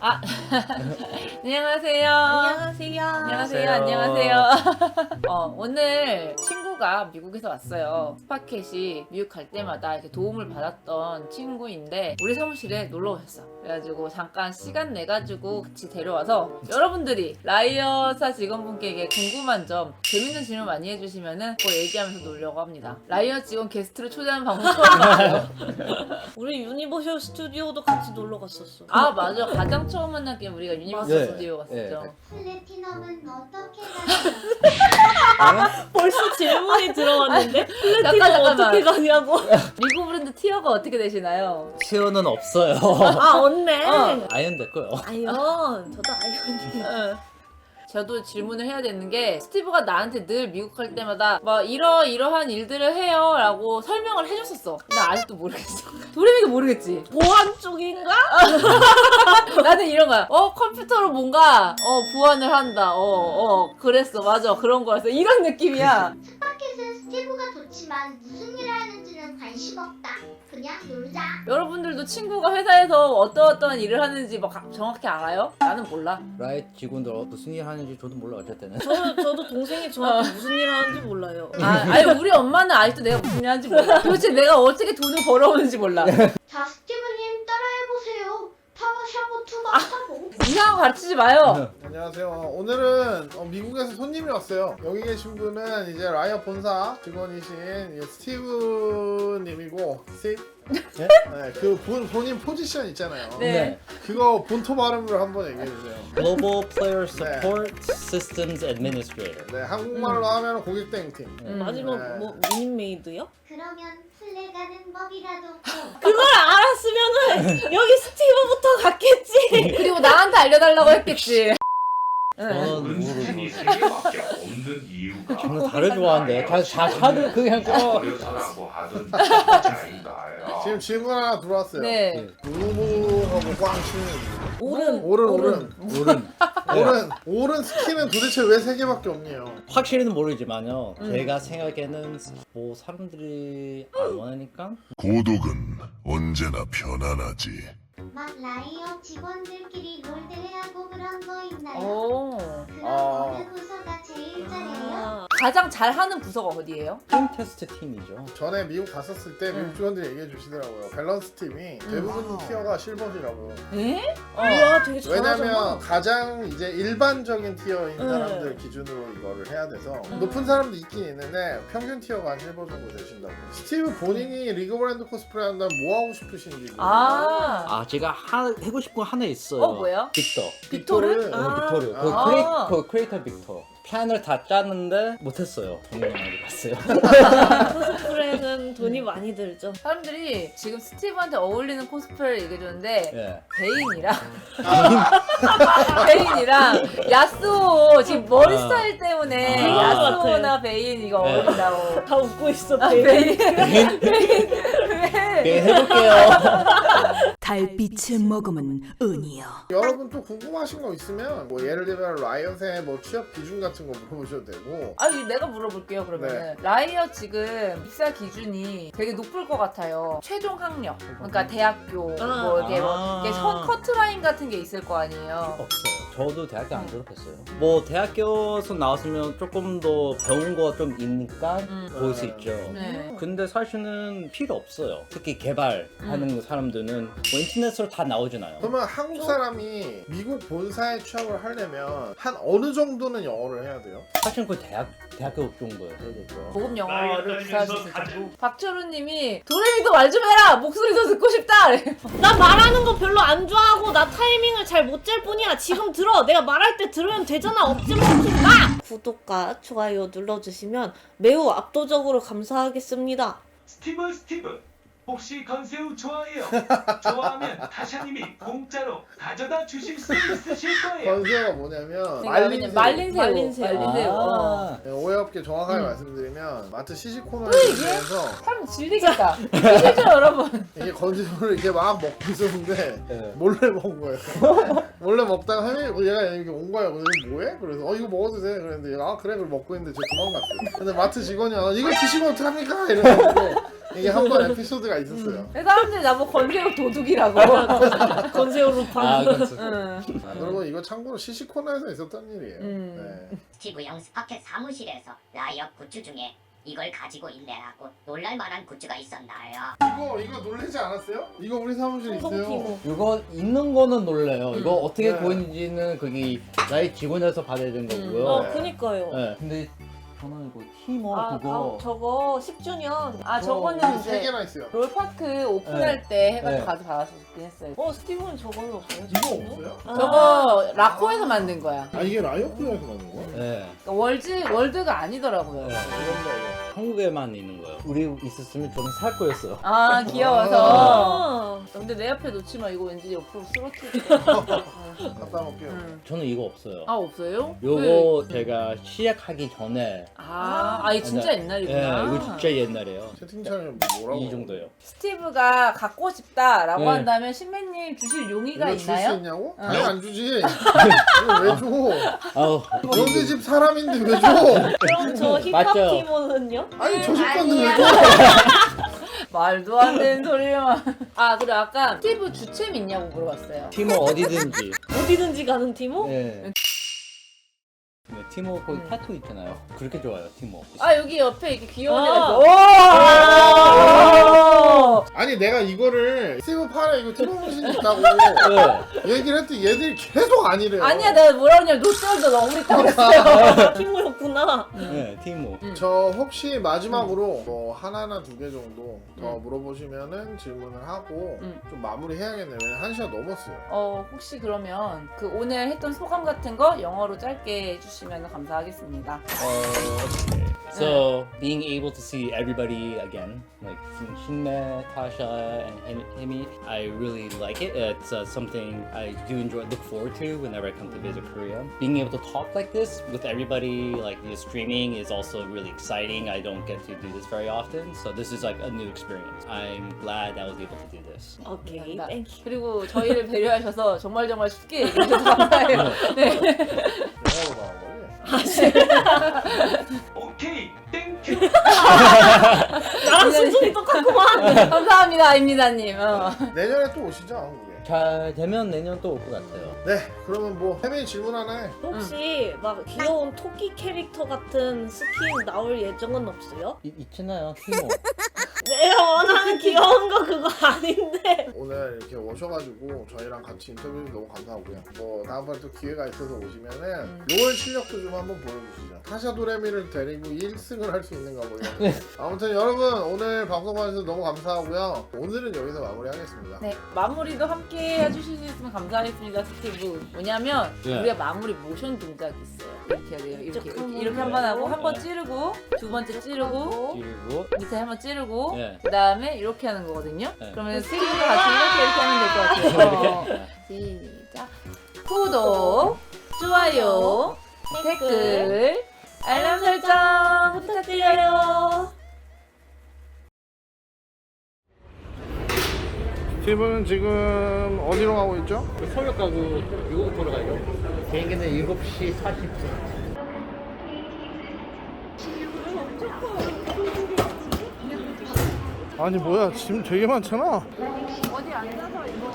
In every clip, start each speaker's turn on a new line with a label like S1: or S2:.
S1: 아, 안녕하세요.
S2: 안녕하세요.
S1: 안녕하세요. 안녕하세요. 오늘 친구가 미국에서 왔어요. 스파켓이 미국 갈 때마다 이렇게 도움을 받았던 친구인데 우리 사무실에 놀러 오셨어. 그래가지고 잠깐 시간 내가지고 같이 데려와서 여러분들이 라이엇사 직원분께 궁금한 점, 재밌는 질문 많이 해주시면은 그거 얘기하면서 놀려고 합니다. 라이엇 직원 게스트로 초대하는 방송 처음 봤어요.
S2: 우리 유니버셜 스튜디오도 같이 놀러 갔었어.
S1: 아 맞아. 가장 처음 만난 게 우리가 유니버스
S3: 네.
S1: 스튜디오 갔었죠.
S4: 플래티넘은 어떻게 가요?
S2: 벌써 질문이 들어왔는데 플래티넘
S1: 잠깐만.
S2: 어떻게 가냐고.
S1: 미국 브랜드 티어가 어떻게 되시나요?
S3: 티어는 없어요.
S2: 아 언네.
S3: 아이언 됐고요.
S2: 아이언. 저도 아이언이.
S1: 저도 질문을 해야 되는 게 스티브가 나한테 늘 미국 갈 때마다 막 이러한 일들을 해요 라고 설명을 해줬었어. 나 아직도 모르겠어. 도레미도 모르겠지?
S2: 보안 쪽인가?
S1: 나는 이런 거야. 컴퓨터로 뭔가 보안을 한다. 그랬어. 맞아. 그런 거였어. 이런 느낌이야.
S4: 스파켓은 스티브가 좋지만 무슨 일을 하는지는 관심 없다. 그냥 놀자.
S1: 여러분들도 친구가 회사에서 어떠한 일을 하는지 막 정확히 알아요? 나는 몰라.
S3: 라이트 직원들 무슨 일 하는지 저도 몰라 어쨌든.
S2: 저도 동생이 저한테 무슨 일 하는지 몰라요.
S1: 아니 우리 엄마는 아직도 내가 무슨 일 하는지 몰라. 도대체 내가 어떻게 돈을 벌어오는지 몰라.
S4: 자, 스티브님 따라해보세요. 파워샤워 2가 타고.
S1: 이상한 거 가르치지 마요.
S5: 안녕하세요. 오늘은 미국에서 손님이 왔어요. 여기 계신 분은 이제 라이엇 본사 직원이신 스티브님이고, 스티브?
S3: 네?
S5: 네, 그 본인 포지션 있잖아요.
S1: 네.
S5: 그거 본토 발음으로 한번 얘기해주세요.
S3: Global Player Support Systems Administrator.
S5: 네, 한국말로 하면 고객 대행팀.
S2: 마지막
S5: 네.
S2: 뭐 미니메이드요?
S4: 그러면 플레 가는 법이라도.
S2: 그걸 알았으면은 여기 스티브부터 갔겠지.
S1: 그리고 나한테 알려달라고 했겠지.
S3: 저는
S6: 문신이 세 개밖에 없는 이유가
S3: 저는 다를 좋아하는데 다들 그냥
S6: 어려서라고 하던 차인가요?
S5: 지금 질문 하나 들어왔어요.
S1: 네.
S5: 누구하고 꽝 치는
S2: 오른.
S5: 오른 스킨은 도대체 왜 3개밖에 없니요?
S3: 확실히는 모르지만요. 제가 생각에는 뭐 사람들이 안 원하니까.
S7: 고독은 언제나 편안하지.
S4: 막 라이엇 직원들끼리 롤대회하고 그런 거 있나요?
S1: 오.
S4: 그럼
S5: 아.
S4: 어느 부서가 제일 잘해요?
S1: 가장 잘하는 부서가 어디예요?
S3: 팀 테스트 팀이죠.
S5: 전에 미국 갔었을 때 미국 직원들이 얘기해 주시더라고요. 밸런스 팀이 대부분 티어가 실버시라고.
S1: 에?
S2: 우와 되게 잘하잖아.
S5: 왜냐면 가장 이제 일반적인 티어인
S2: 네.
S5: 사람들 기준으로 이거를 해야 돼서 높은 사람도 있긴 있는데 평균 티어가 한 실버 정도 되신다고. 스티브 본인이 리그 브랜드 코스프레 한다면 뭐 하고 싶으신지.
S1: 아.
S3: 제가 하고 싶은 거 하나 있어요.
S1: 뭐예요?
S3: 빅터.
S1: 빅토르?
S3: 빅토르.
S1: 아.
S3: 그 크리에이터 빅터. 플랜을 다 짰는데 못했어요. 돈이 많이 갔어요.
S2: 코스프레는 돈이 많이 들죠.
S1: 사람들이 지금 스티브한테 어울리는 코스프레를 얘기해줬는데
S3: 예.
S1: 베인이랑 야스오 지금 머리 스타일 때문에
S3: 아.
S1: 야스오나 베인 이거
S3: 네.
S1: 어울린다고.
S2: 다 웃고 있어.
S1: 베인.
S3: 네, 해볼게요.
S8: 달빛을 머금은 은이여.
S5: 여러분 또 궁금하신 거 있으면 뭐 예를 들면 라이엇의 뭐 취업 기준 같은 거 물어보셔도 되고.
S1: 아니 내가 물어볼게요 그러면은. 라이엇 지금 입사 기준이 되게 높을 것 같아요. 최종 학력, 그러니까 대학교 뭐 이게 뭐 이게 선 커트라인 같은 게 있을 거 아니에요.
S3: 없어요. 저도 대학교 안 졸업했어요. 뭐 대학교에서 나왔으면 조금 더 배운 거 좀 있으니까 볼 수 있죠.
S1: 네.
S3: 근데 사실은 필요 없어요. 특히 개발하는 사람들은 뭐 인터넷으로 다 나오잖아요.
S5: 그러면 한국 사람이 미국 본사에 취업을 하려면 한 어느 정도는 영어를 해야 돼요?
S3: 사실 그 대학교 정도예요. 되죠.
S1: 고급 영어를 구사할 수 있을 정도. 박철우님이 도레미도 말 좀 해라. 목소리 더 듣고 싶다.
S2: 나 말하는 거 별로 안 좋아하고 나 타이밍을 잘 못 잴 뿐이야. 지금 들어. 내가 말할 때 들으면 되잖아. 억지 먹지 마. 구독과 좋아요 눌러주시면 매우 압도적으로 감사하겠습니다.
S6: 스티브 혹시 건새우 좋아해요? 좋아하면 타샤님이 공짜로 가져다 주실 수 있으실 거예요.
S5: 건새우가 뭐냐면
S1: 말린 새우.
S2: 말린 새우.
S3: 아,
S5: 네, 오해 없게 정확하게 말씀드리면 마트 시식 코너에서
S1: 사람 질리겠다. 실죠 여러분.
S5: 이게 건새우를 이렇게 막 먹고 있었는데
S3: 네.
S5: 몰래 먹은 거예요. 몰래 먹다가 얘가 여기 온 거예요. 그래서 이거 뭐해? 그래서 이거 먹어도 돼? 그랬는데 얘가 그래 그걸 먹고 있는데 제가 도망갔어요. 근데 마트 직원이 이거 드시면 어떡합니까? 이러고 이게 한 번 에피소드가 있었어요.
S1: 사람들이 나보고 건세우 도둑이라고.
S2: 건세우 루팡.
S3: 아, 그렇죠.
S1: 응.
S5: 그리고 이거 참고로 CC 코너에서 있었던 일이에요. 네.
S8: 스티브 영 스파켓 사무실에서 라이엇 굿즈 중에 이걸 가지고 있네라고 놀랄만한 굿즈가 있었나요?
S5: 이거 놀라지 않았어요? 이거 우리 사무실에 있어요.
S2: 성동티모.
S3: 이거 있는 거는 놀래요. 이거 어떻게
S5: 네.
S3: 구했는지는 거기 나의 직원에서 받아야 되는 거고요.
S5: 네.
S2: 그니까요.
S3: 네. 근데 저는 이거 티머
S2: 아,
S3: 그거
S2: 저거 10주년.
S1: 아 저거는
S5: 세
S1: 이제
S5: 개나 있어요.
S1: 롤파크 오픈할 때 해가지고
S3: 네.
S1: 가서 받았었긴 했어요.
S2: 스티브는 저걸로 없어요?
S5: 이거 없어요?
S1: 저거 라코에서 만든 거야.
S5: 아 이게 라이어프에서 만든 거야?
S3: 네.
S1: 그러니까 월드가 아니더라고요.
S3: 네.
S5: 이건가 이거.
S3: 한국에만 있는 거예요. 우리 있었으면 저는 살 거였어요.
S1: 아 귀여워서.
S2: 아,
S1: 근데 내 앞에 놓지 마. 이거 왠지 옆으로 쓰러뜨릴 것 같아.
S5: 갖다 놓을게요.
S3: 저는 이거 없어요.
S1: 아 없어요?
S3: 요거 제가 시작하기 전에
S1: 이거 진짜 옛날이구나.
S3: 네, 이거 진짜 옛날이에요.
S5: 채팅창에 뭐라고?
S3: 이 정도예요.
S1: 스티브가 갖고 싶다라고
S3: 네.
S1: 한다면 신배님 주실 용의가
S5: 이거 줄 수
S1: 있나요?
S5: 있냐고?
S1: 어.
S5: 당연히 안 주지. 이거 왜 줘?
S3: 아우
S5: 너네 집 사람인데 왜 줘?
S2: 그럼 저 힙합
S3: 맞죠?
S2: 티모는요?
S5: 아니 저 집 건데 왜
S1: 아니야.
S5: 줘?
S1: 말도 안 되는 소리만. 그리고 아까 스티브 주챔 있냐고 물어봤어요.
S3: 티모 어디든지.
S2: 어디든지 가는 티모?
S3: 네. 네, 티모 거기 타투 있잖아요. 그렇게 좋아요, 티모.
S1: 여기 옆에 이렇게 귀여운 애가
S2: 아.
S1: 있어.
S5: 아니 내가 이거를 스티브 팔에 이거 트로머신 있다고
S3: 네.
S5: 얘기를 했더니 얘들이 계속 아니래요.
S1: 아니야 내가 뭐라 그러냐면 롯데월드 너무 있다고 했어요.
S2: 티모였구나.
S3: 네, 티모.
S5: 저 혹시 마지막으로 뭐 하나나 두 개 정도 더 물어보시면은 질문을 하고 좀 마무리해야겠네요. 왜냐면 1시간 넘었어요.
S1: 혹시 그러면 그 오늘 했던 소감 같은 거 영어로 짧게 해주시면 감사하겠습니다.
S3: Okay. So being able to see everybody again, like seeing Shinme, Tasha, and Himi, I really like it. It's something I do enjoy, look forward to whenever I come to visit Korea. Being able to talk like this with everybody, like streaming, is also really exciting. I don't get to do this very often, so this is like a new experience. I'm glad I was able to do this.
S2: 오케이,
S1: 감사합니다.
S2: 땡큐.
S1: 그리고 저희를 배려하셔서 정말 쉽게 얘기해주셔서 감사해요. 네.
S5: 영어로 나온 거지?
S6: 오케이 땡큐.
S2: 나랑 순순히 똑같구만.
S1: 감사합니다, 임니다님.
S5: 내년에 또 오시죠 한국에.
S3: 잘 되면 내년 또 올 것 같아요.
S5: 네 그러면 뭐 혜민이 질문 하나 해.
S2: 혹시 막 귀여운 토끼 캐릭터 같은 스킨 나올 예정은 없어요?
S3: 있잖아요, 티모.
S2: 내가 원하는 귀여운 거 그거 아닌데.
S5: 오늘 이렇게 오셔가지고 저희랑 같이 인터뷰 너무 감사하고요. 뭐 다음번에 또 기회가 있어서 오시면은 롤 실력도 좀 한번 보여주시죠. 타샤 도레미를 데리고 1승을 할 수 있는가 보요. 아무튼 여러분 오늘 방송 봐주셔서 너무 감사하고요. 오늘은 여기서 마무리하겠습니다.
S1: 네, 마무리도 함께 해주실 수 있으면 감사하겠습니다, 스티브. 뭐냐면
S3: 네.
S1: 우리가 마무리 모션 동작이 있어요. 이렇게 해야 돼요. 이렇게
S2: 한번
S1: 이렇게 한 번 하고 한 번
S3: 네.
S1: 찌르고 두 번째 찌르고
S3: 그리고
S1: 밑에 한 번 찌르고
S3: 네.
S1: 그 다음에 이렇게 하는 거거든요.
S3: 네.
S1: 그러면 스티브도 같이 이렇게 하면 될 것 같아요. 시작. 구독, 좋아요, 댓글, 알람 설정 부탁드려요.
S5: 스티브는 지금 어디로 가고 있죠?
S3: 서울 가고 미국 돌아가요. 비행기는 7시 40분.
S5: 아니 뭐야 짐 되게 많잖아.
S1: 어디 앉아서 이거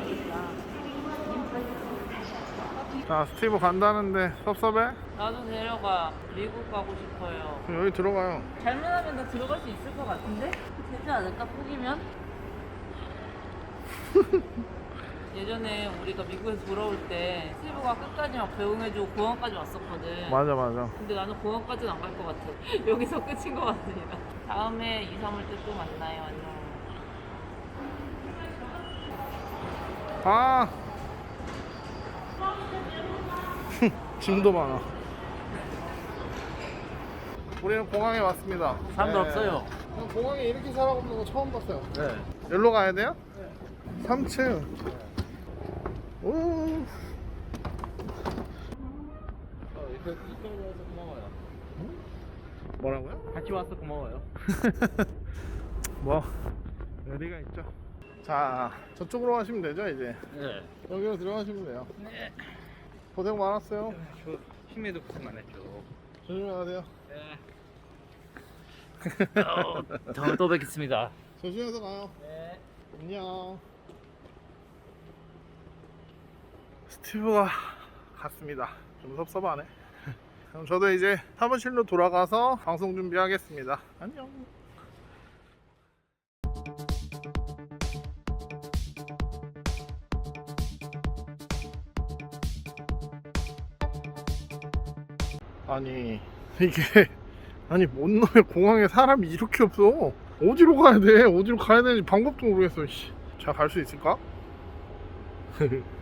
S5: 자 스티브 간다는데 섭섭해?
S1: 나도 데려가. 미국 가고 싶어요.
S5: 그럼 여기 들어가요.
S1: 잘못하면 나 들어갈 수 있을 것 같은데? 되지 않을까? 포기면? 예전에 우리가 미국에서 돌아올 때 스티브가 끝까지 막 배웅해주고 공항까지 왔었거든.
S5: 맞아 맞아.
S1: 근데 나는 공항까지는 안 갈 것 같아. 여기서 끝인 것 같으니까. 다음에 2, 3월 때 또 만나요. 안녕.
S5: 아 짐도 많아. 우리는 공항에 왔습니다.
S3: 사람도 없어요.
S5: 공항에 이렇게 사람 없는 거 처음 봤어요.
S3: 네.
S5: 여기로 가야 돼요? 3층. 오.
S3: 이쪽으로 와서 고마워요.
S5: 뭐라고요?
S3: 같이 와서 고마워요.
S5: 뭐 여기가 있죠. 자 저쪽으로 가시면 되죠 이제.
S3: 네.
S5: 여기로 들어가시면 돼요. 네. 고생 많았어요.
S3: 저 힘에도 고생 많았죠.
S5: 조심히 가세요.
S3: 네. 다음에 또 뵙겠습니다.
S5: 조심해서 가요. 네. 안녕. 스티브가 갔습니다. 좀 섭섭하네. 그럼 저도 이제 사무실로 돌아가서 방송 준비하겠습니다. 안녕. 아니 이게 아니 뭔 놈의 공항에 사람이 이렇게 없어. 어디로 가야 돼? 어디로 가야 되는지 방법도 모르겠어. 잘 갈 수 있을까?